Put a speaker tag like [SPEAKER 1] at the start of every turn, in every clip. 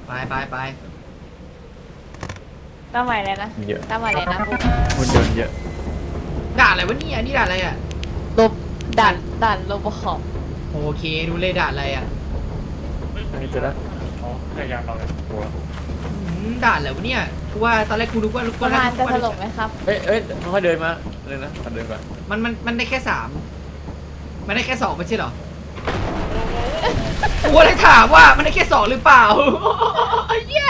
[SPEAKER 1] ไป
[SPEAKER 2] ตั้งใหม่เลยนะ
[SPEAKER 3] เยอะ
[SPEAKER 2] ตั้งใหม่เลยนะปุ๊บ
[SPEAKER 3] คนเดินเยอะ
[SPEAKER 1] ด่านอะไรวะเนี่ยนี่ด่านอะไรอ่ะ
[SPEAKER 2] ลบด่านโลบขอบ
[SPEAKER 1] โอเคดูเลยด่านอะไรอ่ะ
[SPEAKER 3] อันนี้จะได้
[SPEAKER 4] อ๋อพยายามเราเลย
[SPEAKER 3] หัว
[SPEAKER 1] ด่านอะไรวะเนี่ยกูว่าตอนแรกกูนึกว่า
[SPEAKER 2] ประมาณจะถล่มไหมครับ
[SPEAKER 3] เอ้ยค่อยๆเดินมาเลยนะเดินมา
[SPEAKER 1] มันได้แค่3มันได้แค่2ไม่ใช่เหรอกูเลยถามว่ามันได้แค่2หรือเปล่าเย้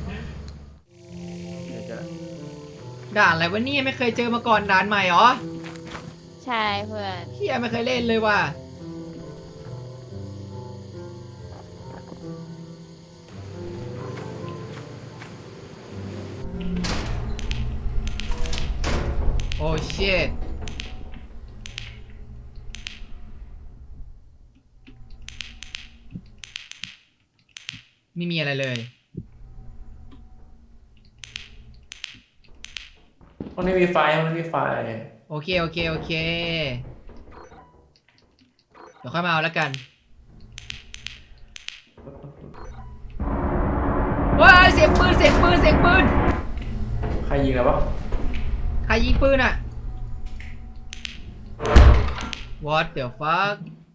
[SPEAKER 1] ด่านอะไรวะเนี่ยไม่เคยเจอมาก่อนด่านใหม่เหรอ
[SPEAKER 2] ใช่เพื่อน
[SPEAKER 1] เฮียไม่เคยเล่นเลยว่ะโอ้ชิตไม่มีอะไรเลย
[SPEAKER 3] มันไม่มีไฟมันไม่มีไฟ
[SPEAKER 1] โอเคเดี๋ยวค่อยมาเอาแล้วกันว้ายเสียงปืน
[SPEAKER 3] ใครยิงแล้ววะ
[SPEAKER 1] ใครยิงปืนอ่ะ What the fuck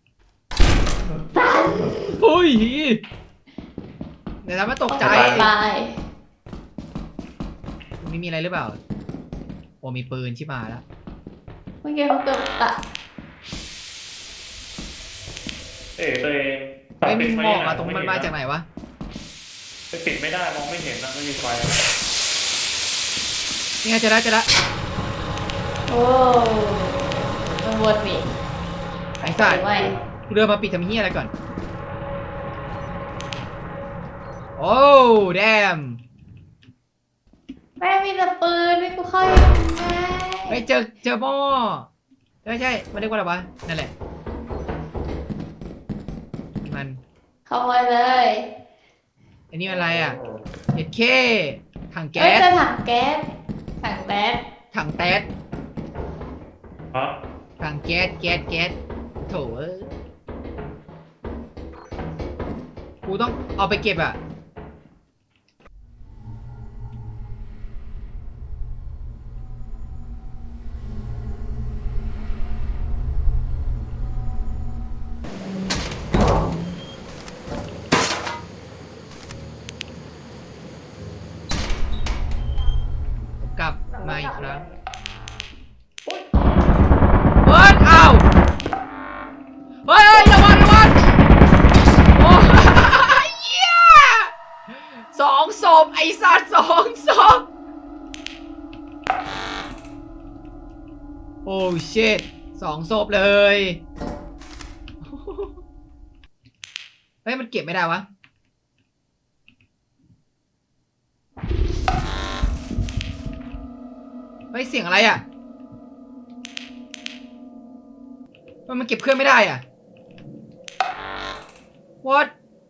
[SPEAKER 1] เฮ้ยเดี๋ยวทำให้ตกใจไม่มีอะไรหรือเปล่าโอ้มีปืนชิบหายแล้ว
[SPEAKER 2] เมื่อกี้เขาเกือบตะ
[SPEAKER 4] ตัวเอง
[SPEAKER 1] ไอ้มีหมอกอะตรงมันมาจากไหนวะ
[SPEAKER 4] ไปปิดไม่ได้มองไม่เห็นนะไม่มีไฟ
[SPEAKER 1] นี่ไงเจอแล้ว
[SPEAKER 2] โอ้มันวนอีก
[SPEAKER 1] ไอ้สัตว์
[SPEAKER 2] ไม่
[SPEAKER 1] กูเดินมาปิดทำเฮียอะไรก่อนโอ้แดม
[SPEAKER 2] แม่มีแต่ปืนไม่กูเข้ายังไง
[SPEAKER 1] ไปเจอหม้อไม่ใช่มันเรียกว่าอะไรวะนั่นแหละมัน
[SPEAKER 2] เข้าไปเลย
[SPEAKER 1] อันนี้อะไรอ่ะเห็ดเคถัง
[SPEAKER 2] เฮ้
[SPEAKER 1] แก๊
[SPEAKER 2] ย
[SPEAKER 1] ส
[SPEAKER 2] จะถังแก๊สถังแก๊ส
[SPEAKER 1] ถังแต๊ส
[SPEAKER 4] ฮะ
[SPEAKER 1] ถังแก๊สโถเอ้ยกูต้องเอาไปเก็บอ่ะกลับมาอีกครั้งเฮ้ยอ้าวเฮ้ยระวังโอ้ยเหี้ย2 ศพไอ้สัตว์2 ศพโอ้ชิต2 ศพเลยเฮ้ยมันเก็บไม่ได้วะเฮ้ยเสียงอะไรอ่ะมันเก็บเครื่องไม่ได้อ่ะ What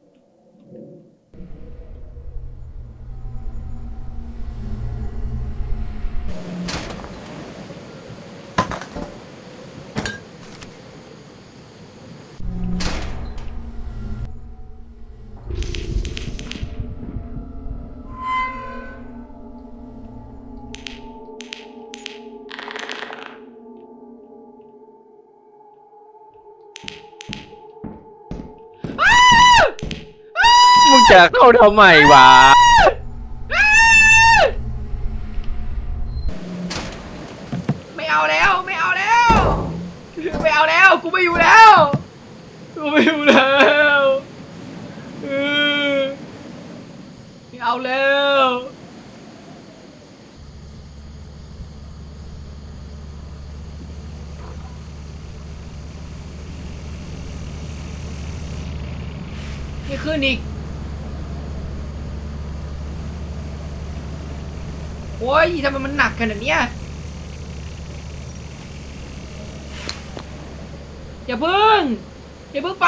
[SPEAKER 3] มึงจะเข้าทำไมวะ
[SPEAKER 1] ไม่เอาแล้ว กูไม่อยู่แล้วเออไม่เอาแล้วนี่ขึ้นอีกโอ้ยทำไมมันหนักขนาดเนี้ยอย่าเพิ่งไป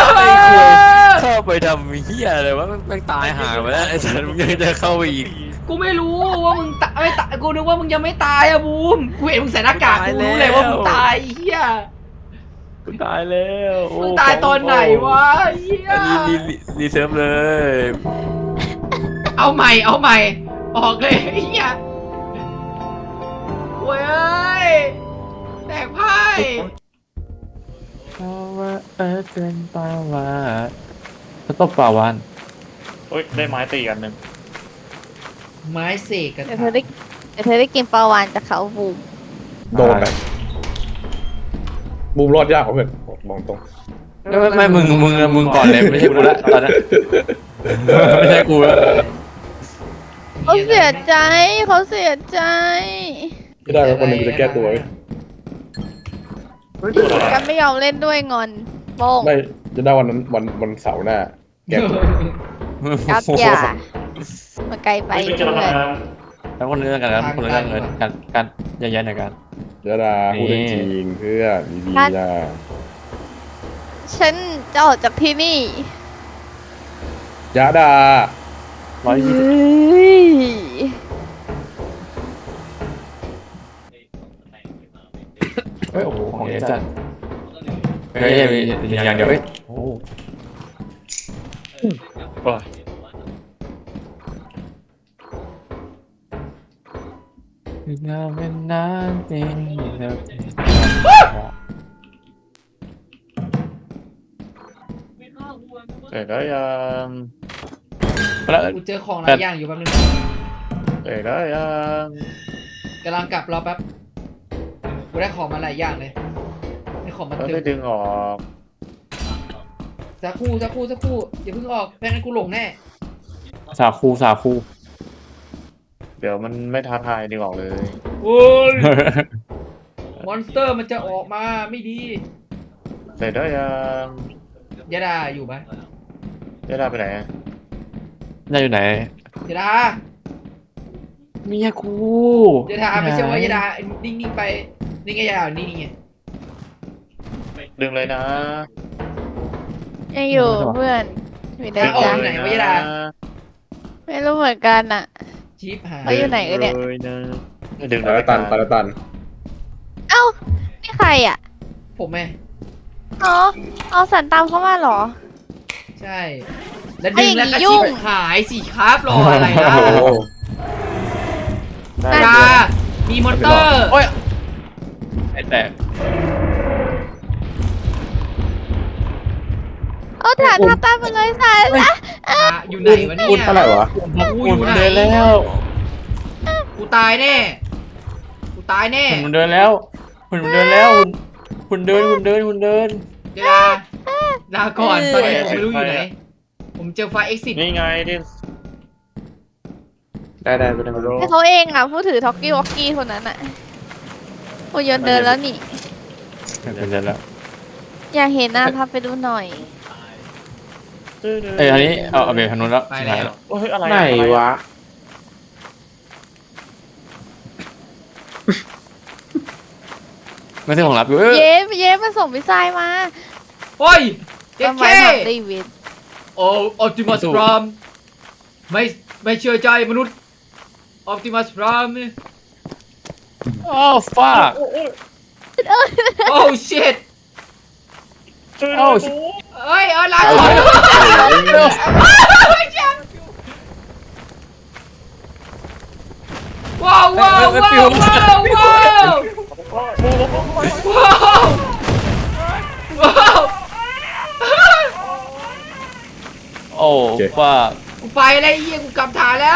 [SPEAKER 3] เข้าไปทำเหี้ยอะไรวะแม่งตายห่าไปแล้วไอ้สัตว์มึงยังจะเข้าไปอีก
[SPEAKER 1] กูกูไม่รู้ว่ามึงตายไม่ตายกูนึกว่ามึงยังไม่ตายอะบูมกูเห็นมึงใส่หน้ากากกูรู้เลยว่ามึงตายเฮีย
[SPEAKER 3] กูตายแล้วโอ้
[SPEAKER 1] มึงตายตอนไหนวะเฮีย
[SPEAKER 3] รีเซิร์ฟเลย
[SPEAKER 1] เอาใหม่ออกเลยเฮียโว้ยแตกไพ่
[SPEAKER 3] เพราะว่าเป็นปลาวาฬเขาตบปลาวาน
[SPEAKER 4] โอ้ยได้ไม้ตีกันหนึ่ง
[SPEAKER 1] ไม้เสกกัน
[SPEAKER 2] เดี๋ยวเธอได้กินปลาวานจากเขาบูม
[SPEAKER 5] โดนไปบูมรอดยากกว่าเพื่อนมองตรง
[SPEAKER 3] ไม่มึงก่อนเลยไม่ใช่กูละตอนนั้นไม่ใช่กูละ
[SPEAKER 2] เขาเสียใจ
[SPEAKER 5] ไม่ได้แล้วคนหนึ่งกูจะแก้ตัวไว้
[SPEAKER 2] กันไม่ยอมเล่นด้วยงอนโป้ง
[SPEAKER 5] ไม่จะได้วันนั้นวันเสาร์หน้า แก้ตัว
[SPEAKER 2] กับอย่ามาไกลไป
[SPEAKER 4] ไม่เจอ
[SPEAKER 2] เพื่อน
[SPEAKER 4] แล้ว
[SPEAKER 3] แล้วคนเรื่องกันแล้วคนเรื่องเงินการย้ายๆในการ
[SPEAKER 5] ยะดาพูดจริงเพื่อนดีๆนะ
[SPEAKER 2] ฉันจะออกจากที่นี่
[SPEAKER 5] ยะดา
[SPEAKER 2] เฮ้ย
[SPEAKER 3] เฮ้ยโอ้โหของเยอะจัดเฮ้ยอย่างเดียวเฮ้ยโอ้งานเป็นน้ำจริงแล้ว
[SPEAKER 4] เสร็จแล้วยัง
[SPEAKER 3] แล้ว
[SPEAKER 1] กูเจอของหลายอย่างอยู่แป๊บนึง
[SPEAKER 4] เสร็จแล้วยัง
[SPEAKER 1] กำลังกลับรอแป๊บกูได้ของมาหลายอย่างเลยได้ของมา
[SPEAKER 4] เรา
[SPEAKER 1] เต็
[SPEAKER 4] ได้
[SPEAKER 1] ม
[SPEAKER 4] ดึงออก
[SPEAKER 1] สักครู่อย่าเพิ่งออกแพ้งั้นกูหลงแน่
[SPEAKER 3] สาคู
[SPEAKER 4] เดี๋ยวมันไม่ท้าทายดึงออกเลย
[SPEAKER 1] โอ้ยมอนสเตอร์มันจะออกมาไม่ดี
[SPEAKER 4] เสร็จแล้วยัง
[SPEAKER 1] ยะดาอยู่ไหม
[SPEAKER 4] ได้ได้ไปไหนอะ
[SPEAKER 3] นายอยู่ไหน
[SPEAKER 1] ยะดา
[SPEAKER 3] เมียกู
[SPEAKER 1] ยะดาไม่ใช่ว่ายะดานิ่งๆไปนี่ไงยะดานี่ไง
[SPEAKER 4] ดึงเลยนะ
[SPEAKER 2] ยังอยู่เพื่อนมีเดิน
[SPEAKER 1] ออก
[SPEAKER 2] จ้า
[SPEAKER 1] ไหนวะยะดา
[SPEAKER 2] ไม่รู้เหมือนกันอ่ะ
[SPEAKER 1] ชิปหาย
[SPEAKER 2] เขาอยู่ไหนกันเนี่ย
[SPEAKER 4] เลยนะดึง
[SPEAKER 5] ตาละตันตาละตัน
[SPEAKER 2] เอ้านี่ใครอ่ะ
[SPEAKER 1] ผมไง
[SPEAKER 2] อ๋อเอาสันตามเข้ามาเหรอ
[SPEAKER 1] ใช่ แล้วดึงแล้วก็
[SPEAKER 2] ไอ้ยุ่
[SPEAKER 1] ชิป
[SPEAKER 2] ง
[SPEAKER 1] หายสิครับรออะไรล่ะ
[SPEAKER 5] โอ้โห
[SPEAKER 1] ยะดามีมอนเตอร์
[SPEAKER 3] โอ้ยไอ้แตก
[SPEAKER 2] เอาฐานทับตามไปเลยสันละ
[SPEAKER 1] อยู่ไหนวะเนี่ย
[SPEAKER 5] พูดเท่าไหร่วะ
[SPEAKER 1] กูอยู่ไหน
[SPEAKER 3] เดินแล้ว
[SPEAKER 1] กูตายแน่กูตายแน่
[SPEAKER 3] คุณเดินแล้วคุณเดินแล้วคุณเดิน
[SPEAKER 1] ยะดาลาก่อนตอนนี้ผมไม่รู้อยู่ไหน ผมเจอไฟ exit
[SPEAKER 4] นี่ไงที่
[SPEAKER 5] ได้ไปได้มาโล
[SPEAKER 2] ให้เขาเองอ่ะผู้ถือท็อกกี้วอกกี้คนนั้นอ่ะโอ้ยนเดินแล้วนี่
[SPEAKER 3] เดินแล้ว
[SPEAKER 2] อยากเห็นหน้าพับไปดูหน่อย
[SPEAKER 3] เอ้ยอันนี้เอาเบรกทางนู้นแล้ว
[SPEAKER 1] ไปแล้ว
[SPEAKER 4] โอ้ยอะไร
[SPEAKER 5] ไหนวะ
[SPEAKER 3] ไม่ใช่ของรับอยู่
[SPEAKER 2] เย้มาส่งพิซซ่ามา
[SPEAKER 1] โอ้ยเจ๊
[SPEAKER 2] ทำไม
[SPEAKER 1] แค่
[SPEAKER 2] ทำได้วิน
[SPEAKER 1] โอ้ออปติมัสพรามไม่เชื่อใจมนุษย์ออปติมัสพราม
[SPEAKER 3] อ้าวฟ้า
[SPEAKER 1] โอ้ชิต
[SPEAKER 4] ช่วย
[SPEAKER 3] โอ้
[SPEAKER 1] เอ้ยลาก่อนว้าว
[SPEAKER 3] โอ้ฟ้า
[SPEAKER 1] กูไปแล้วเฮียกูกลับฐานแล้ว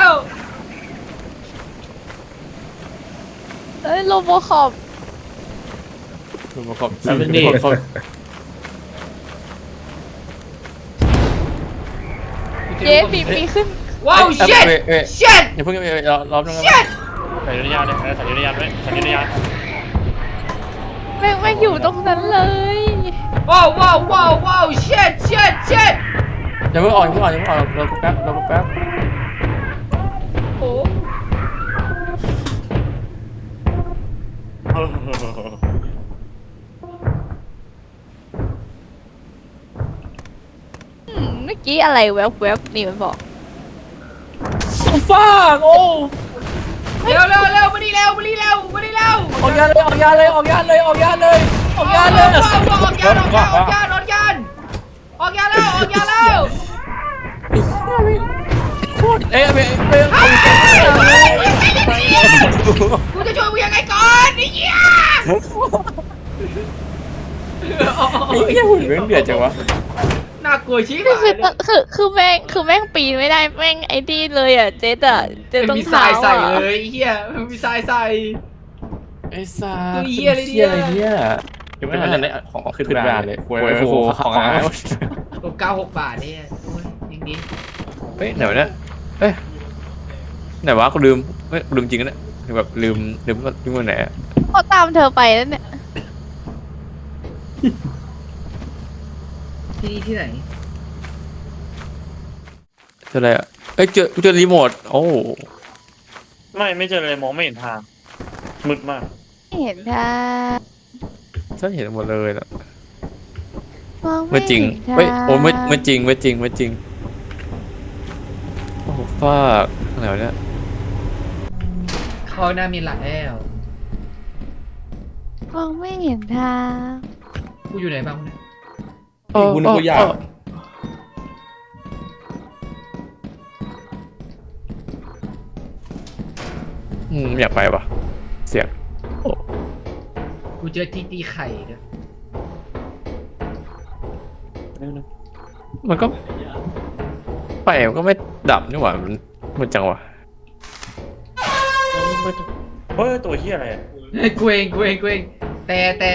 [SPEAKER 2] เอ้ยโลโบคอป
[SPEAKER 3] คุณมาขอบแล้วนี่
[SPEAKER 2] เย้ปีขึ้น
[SPEAKER 1] ว้าวชิต
[SPEAKER 3] อย่าเพิ่งรอบนึง
[SPEAKER 1] ชิต
[SPEAKER 4] ใส่ยุทธยานเลยใส่ยุทธยานไว้ใส่ยุทธยาน
[SPEAKER 2] แม่งอยู่ตรงนั้นเลย
[SPEAKER 1] ว้าวชิต
[SPEAKER 3] อย่าเพิ่งออกเราแป๊บ
[SPEAKER 1] โอ้
[SPEAKER 2] เมื่อกี้อะไรแวบๆนี่มันบอก
[SPEAKER 3] ฟ้าโอ้
[SPEAKER 1] เร็วมานี่เร็วมานี่เร็ว
[SPEAKER 3] ออกยานเลยออกยานเลยออกยานเลยออกยานเลยออกยานเลย
[SPEAKER 1] ออกยานแล้ว
[SPEAKER 3] เอ้ยเอ้ย
[SPEAKER 1] กูจะช่วยมึงยังไงก่อนไอ้เหี้ย
[SPEAKER 3] ไอ้เหี้ยหุ่นแม่งเดือดจังวะ
[SPEAKER 1] น่ากลัวชิบ
[SPEAKER 2] คือแม่งปีนไม่ได้แม่งไอ้นี่เลยอ่ะเจ๊ต้อง
[SPEAKER 1] มีท
[SPEAKER 2] เท้า
[SPEAKER 1] ายใส่
[SPEAKER 2] อ่ะ
[SPEAKER 1] เลยไอ้เหี้ยมีทรายใส่
[SPEAKER 3] ไอ้สัส
[SPEAKER 1] ตัวเหี้ยอะไรเนี่ย
[SPEAKER 3] อะไรเนี่ยยังไม่ทันได้ของขึ้นบ้านเลยโอ้โหของอ่ะ
[SPEAKER 1] ตัว96 บาทเนี่ยโอ้ยยังดี
[SPEAKER 3] เฮ้ยไหนวะเนี่ยเอ้ยไหนวะกูลืมเฮ้ยลืมจริงนะเนี่ยแบบลืมว่าไหนอะ
[SPEAKER 2] เขาตามเธอไปแล้วเนี่ย
[SPEAKER 1] ที่นี่ที่ไหน
[SPEAKER 3] เจออะไรอ่ะเอ้ยเจอรีโมทโอ้
[SPEAKER 4] ไม่เจอเลยมองไม่เห็นทางมืดมาก
[SPEAKER 2] ไม่เห็นท่า
[SPEAKER 3] ฉันเห็นหมดเลยนะ
[SPEAKER 2] มอง
[SPEAKER 3] เมื่
[SPEAKER 2] ไม่
[SPEAKER 3] อจริง
[SPEAKER 2] เห็นทาง
[SPEAKER 3] เฮ้ยโอ้เมื่อจริงโอ้ฟากอะไรวะเนี่ย
[SPEAKER 1] เขาหน้ามีหลักแล้ว
[SPEAKER 2] มองไม่เห็นทาง
[SPEAKER 1] กูอยู่ไหนบ้างเนี่ย
[SPEAKER 5] คุณกูอยาก
[SPEAKER 3] อยากไปปะเสียง
[SPEAKER 1] กูเจอที่ตีไข่ด้วย
[SPEAKER 3] มันก็ไปมันก็ไม่ดับนี่หว่ามันจังวะ
[SPEAKER 4] เฮ้ยตัวเหี้ยอะไรอะ
[SPEAKER 1] กูเองแต่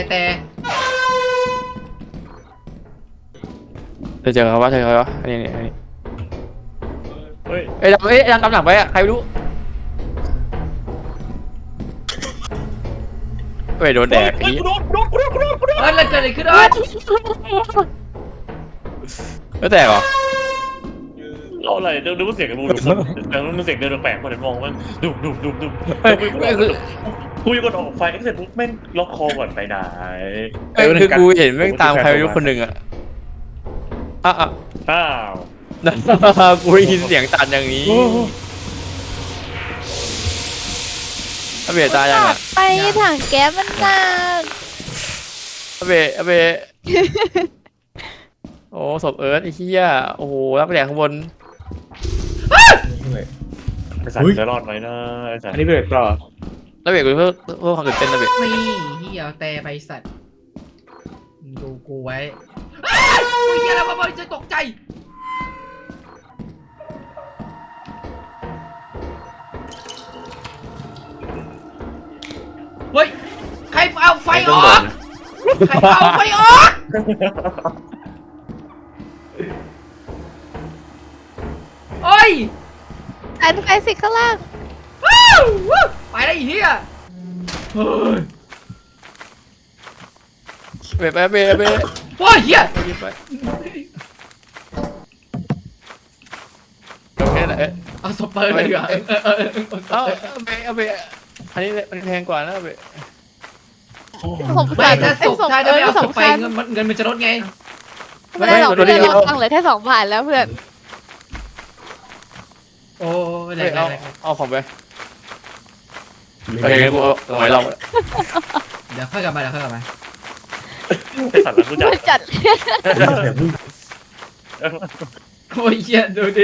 [SPEAKER 3] เจอเขาวะอันนี้
[SPEAKER 4] เฮ้ย
[SPEAKER 3] ยังกำลังไปอ่ะใครไม่รู้เฮ้ยโดนแดก
[SPEAKER 4] เฮ้ยกูโดน
[SPEAKER 1] เฮ้ยแล้วเกิดอะไรขึ้นอ่ะ
[SPEAKER 3] แล้วแตกเหรอ
[SPEAKER 4] เราอะไรเดี๋ยวเสียงกันดูแต่มันเสียงเดินแปลกๆคนเห็นมองมันดุกูยังกดออกไฟเสร็จปุ๊บแม่งล็อกคอก่อนไปไหน
[SPEAKER 3] คือกูเห็นแม่งตามใครไม่รู้คนหนึ่งอ่ะอ่ะ
[SPEAKER 4] อ้าว
[SPEAKER 3] กูได้ยินเสียงตันอย่างนี้อเบะตายยังอ่ะ
[SPEAKER 2] ไปถังแก๊สมันหนัก
[SPEAKER 3] อเบะโอ้ศพเอิร์ธไอ้เหี้ยโอ้โหรับไปแดกข้างบน
[SPEAKER 4] ไอ้สัตว์จะรอดไหมนะไอ้สัต
[SPEAKER 5] อัน
[SPEAKER 4] ว์
[SPEAKER 5] นี้เบรกต่อ
[SPEAKER 3] แล้วเบะกูเพื่อความตื่นเต้นนะเบะ
[SPEAKER 1] นี่เหี้ยแต่ไปสัตว์ดูกูไว้กูเหี้ยแล้วมาจะตกใจเฮ้ยใครเอาไฟออกโอ้ย
[SPEAKER 2] อันไปสิข้างล่าง
[SPEAKER 1] ไปได้อีเหี้ยเฮ้ย
[SPEAKER 3] เบะ
[SPEAKER 1] โอ้ยเหี้ย
[SPEAKER 3] ไปโอเคนะ
[SPEAKER 1] เอาสเปอร์เลยดีกว่า
[SPEAKER 3] เอาเบะอันนี้มันแพงกว่านะเบะ
[SPEAKER 2] สง
[SPEAKER 1] ไม่
[SPEAKER 2] สาร
[SPEAKER 1] ถ้าศพถ้าจะไม่เอาศพไป
[SPEAKER 2] สงสาร
[SPEAKER 1] เงินมันจะลดไง
[SPEAKER 2] ไม่ได้หรอกเพื่อนเราตังค์เหลือแค่2 บาทแล้วเพื่อน
[SPEAKER 1] โอ้ย
[SPEAKER 3] เอาของไปโอเคกูเอาไว้เรา
[SPEAKER 1] เดี๋ยวค่อยกลับมา
[SPEAKER 4] ไอ้สัตว์แล้วกูจับ
[SPEAKER 2] จัด
[SPEAKER 1] โอ้ยเหี้ยดูดิ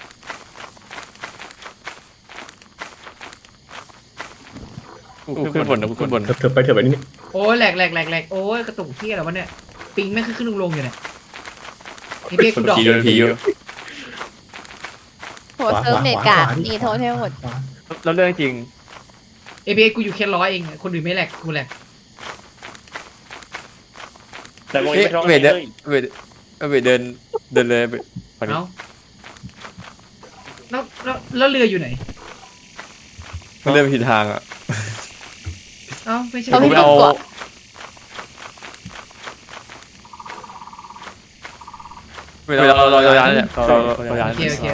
[SPEAKER 3] กูขึ้นบนนะกูขึ้นบน
[SPEAKER 5] เถอะไปนี่
[SPEAKER 1] โอ้ยแหลกโอ้ยกระตุกเหี้ยอะไรวะเนี่ยปิงแม่งขึ้นลงอยู่เนี่ยไอ้เบี้ยกูดอก
[SPEAKER 3] ผีอยู่
[SPEAKER 2] หัวเซิร์ฟเน็ตกากมีโทษให้หมด
[SPEAKER 3] แล้วเรื่องจริง
[SPEAKER 1] ไอ้เบี้ยกูอยู่แค่100เองคนอื่นไม่แหลกกูแหลก
[SPEAKER 4] แต่มอง
[SPEAKER 3] เอ๊ะ
[SPEAKER 4] ไม่ร้อง
[SPEAKER 3] เบะ
[SPEAKER 4] เลย
[SPEAKER 3] เดินเลยเบะ
[SPEAKER 1] เอ้าแล้วเรืออยู่ไหน
[SPEAKER 3] มันเดินผิดทางอ่ะ
[SPEAKER 1] เอ้าไม่ใช่
[SPEAKER 2] เอา
[SPEAKER 3] กู
[SPEAKER 2] พี่
[SPEAKER 3] ไปเอา
[SPEAKER 2] ก่อน
[SPEAKER 3] เราย้ายเนี่ยเราย้าย
[SPEAKER 1] โอเค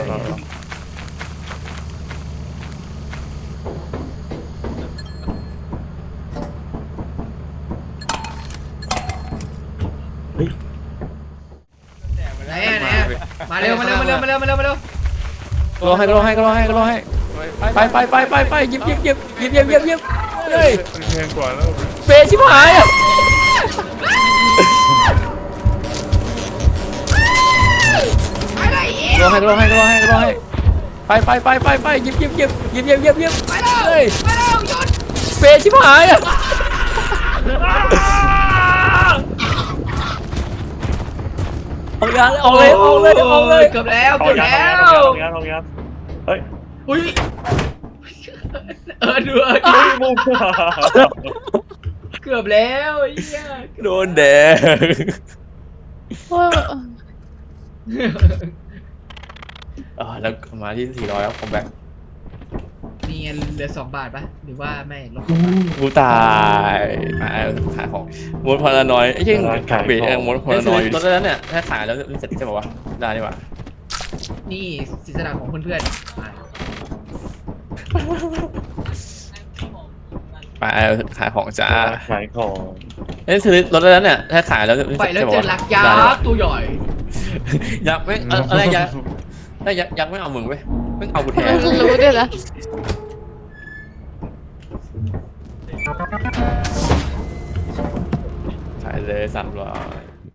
[SPEAKER 1] ไหนมาเร็ว
[SPEAKER 3] รอให้ไปหยิบเฮ้ย
[SPEAKER 4] แพงกว่าแล้ว
[SPEAKER 3] เฟชิบหายอ่ะ
[SPEAKER 1] อะไรอีก
[SPEAKER 3] รอให้ไปหยิบ
[SPEAKER 1] ไป
[SPEAKER 3] เ
[SPEAKER 1] แล้ว
[SPEAKER 3] ฮ้ย
[SPEAKER 1] ไปแล้วหยุด
[SPEAKER 3] เฟชิบหายอ่ะออกเลย
[SPEAKER 1] เกือบแล้ว
[SPEAKER 4] เอา
[SPEAKER 1] เกือบ
[SPEAKER 4] ยา
[SPEAKER 1] แล้ว
[SPEAKER 4] เอายาเฮ้ย
[SPEAKER 1] อุ้ยดู
[SPEAKER 4] มุม
[SPEAKER 1] เกือบแล้วไอ้เหี้ย
[SPEAKER 3] โดนแดง
[SPEAKER 2] โอ้ย
[SPEAKER 3] แล้วมาที่400แล้วผมแบบ
[SPEAKER 1] มีเงินเหลือ2 บาทปะหรือว่าไม่ลด
[SPEAKER 3] กูตายขายของมดพลานอยไอ้เช่งเบรมดพลานอยรถแล้วเนี่ยถ้าขายแล้วเสร็จใช่ป่าวะได้ดีกว่า
[SPEAKER 1] นี่ศิษย์ของเพื่อนๆ
[SPEAKER 3] ไปขายของจ้า
[SPEAKER 4] ขายของ
[SPEAKER 3] ซื้อรถแล้วเนี่ยถ้าขายแล้ว
[SPEAKER 1] ไปแล้วเจอลักยักษ์ตัวใหญ่
[SPEAKER 3] ยักษ์ไม่อะไรยักษ์ถ้ายักษ์ไม่เอามึงเว้ยไม่เอากูแทน
[SPEAKER 2] รู้ด้วยนะ
[SPEAKER 3] ขายเลย300